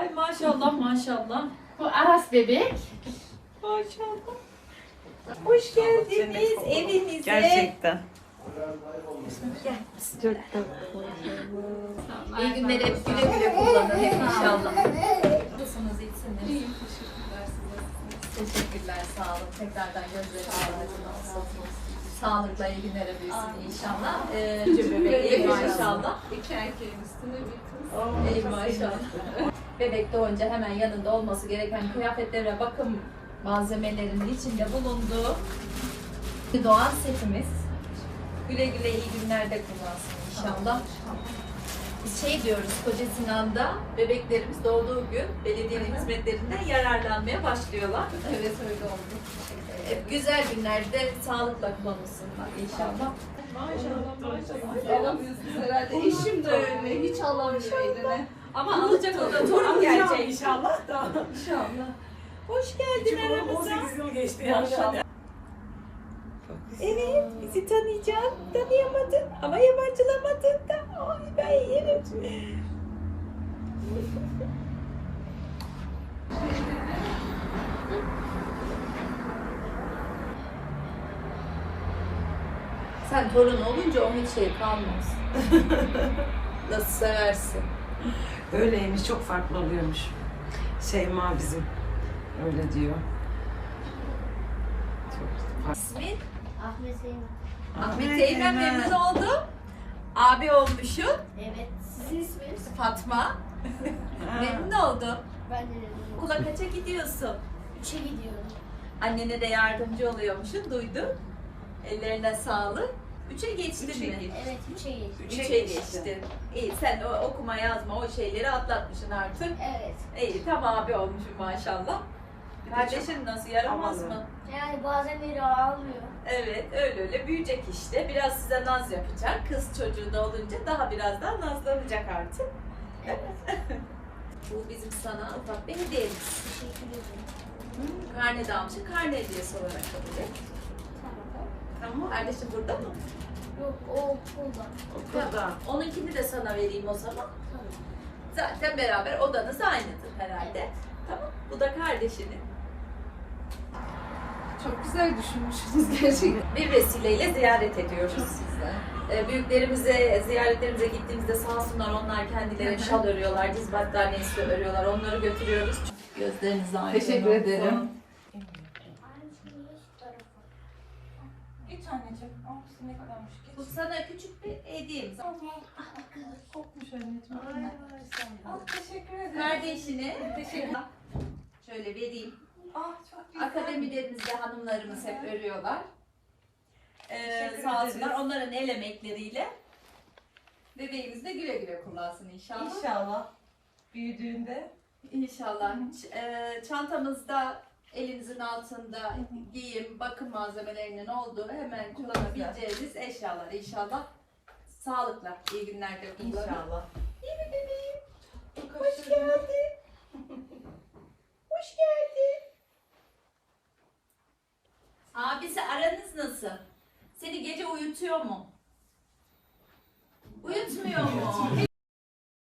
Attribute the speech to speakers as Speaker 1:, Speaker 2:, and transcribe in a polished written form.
Speaker 1: Ay maşallah maşallah.
Speaker 2: Bu Aras bebek.
Speaker 1: Maşallah. Hoş geldiniz evinize.
Speaker 3: Gerçekten.
Speaker 1: İyi günler, hep güle güle kullanın hep inşallah. Nasılsınız, iyisiniz? Teşekkürler, sağ olun. Tekrardan gözleriniz aydın olsun. Sağlıkla iyi günlere büyüsün inşallah. Bebek iyi maşallah.
Speaker 4: İki erkeğin üstüne bir kız.
Speaker 1: İyi maşallah. Bebek doğunca hemen yanında olması gereken kıyafetlere bakım malzemelerinin içinde bulunduğu doğan setimiz. Güle güle iyi günlerde kullansın inşallah. Biz şey diyoruz, Koca Sinan'da bebeklerimiz doğduğu gün belediyenin hizmetlerinden yararlanmaya başlıyorlar.
Speaker 4: Evet öyle oldu.
Speaker 1: Güzel günlerde sağlıkla kullanılsınlar inşallah.
Speaker 4: Maşallah. Alamıyorsunuz herhalde. Eşim de öyle. Hiç alamıyor eline.
Speaker 1: Ama alacak o da torun gelecek.
Speaker 3: İnşallah da.
Speaker 1: İnşallah. Hoş geldin aramıza.
Speaker 3: 18 yıl geçti yani.
Speaker 1: Evet, bizi tanıyacaksın. Tanıyamadın ama yabancılamadın da. Ay ben yerim. Sen torun olunca onun hiç şey kalmaz. Nasıl seversin?
Speaker 3: Öyleymiş, çok farklı oluyormuş. Şeyma bizim öyle diyor. Çok farklı.
Speaker 1: İsmin?
Speaker 5: Ahmet Zeynep.
Speaker 1: Ahmet Eymen, memnun oldum. Abi olmuşsun.
Speaker 5: Evet. Sizin isminiz?
Speaker 1: Fatma. Memnun oldum.
Speaker 5: Ben de dedim.
Speaker 1: Okula kaça gidiyorsun?
Speaker 5: 3'e gidiyorum.
Speaker 1: Annene de yardımcı oluyormuşsun, duydum. Ellerine sağlık. 3'e geçtin mi?
Speaker 5: Evet 3'e geçtim.
Speaker 1: 3'e geçtin. İyi, sen o okuma yazma o şeyleri atlatmışsın artık.
Speaker 5: Evet.
Speaker 1: İyi, tam abi olmuşsun maşallah. Kardeşin nasıl, yaramaz
Speaker 3: havalı.
Speaker 1: mı?
Speaker 5: Yani bazen biri ağlıyor.
Speaker 1: Evet, öyle öyle büyüyecek işte. Biraz size naz yapacak. Kız çocuğu da olunca daha biraz daha nazlanacak artık.
Speaker 5: Evet.
Speaker 1: Bu bizim sana ufak bir hediyemiz.
Speaker 5: Teşekkür ederim.
Speaker 1: Karne de almışsın, karne hediyesi olarak kabul et.
Speaker 5: Tamam.
Speaker 1: Tamam. Kardeşim burada mı?
Speaker 5: Yok o okulda.
Speaker 3: Okulda.
Speaker 1: Onunkini de sana vereyim o zaman.
Speaker 5: Tamam.
Speaker 1: Zaten beraber odanız aynıdır herhalde. Tamam. Bu da kardeşinin.
Speaker 4: Çok güzel düşünmüşsünüz gerçekten.
Speaker 1: Bir vesileyle ziyaret ediyoruz.
Speaker 4: Güzel.
Speaker 1: Büyüklerimize, ziyaretlerimize gittiğimizde sağ olsunlar, onlar kendileri şal örüyorlar, diz battaniyesi örüyorlar. Onları götürüyoruz. Gözleriniz aydın
Speaker 4: Teşekkür
Speaker 1: olsun.
Speaker 4: ederim.
Speaker 2: Git anneciğim. Al ne kadarmış.
Speaker 1: Bu sana küçük bir hediyemiz.
Speaker 2: Kokmuş anneciğim.
Speaker 1: Ay maşallah.
Speaker 2: Al teşekkür ederim.
Speaker 1: Kardeşine teşekkür. Şöyle vereyim.
Speaker 2: Ah çok güzel.
Speaker 1: Akademilerimizde hanımlarımız hep örüyorlar.
Speaker 2: Teşekkür
Speaker 1: Sağ
Speaker 2: ederiz.
Speaker 1: olsunlar, onların el emekleriyle bebeğimiz de güle güle kullansın inşallah.
Speaker 2: İnşallah. Büyüdüğünde.
Speaker 1: İnşallah. Çantamızda elinizin altında giyim, bakım malzemelerinin olduğu hemen kullanabileceğiniz eşyalar inşallah. Sağlıkla, iyi günlerde kullanın.
Speaker 2: İnşallah.
Speaker 1: İyi mi bebeğim?
Speaker 2: Çok
Speaker 1: Hoş geldin. Hoş geldin. Abisi aranız nasıl? Seni gece uyutuyor mu? Uyutmuyor mu?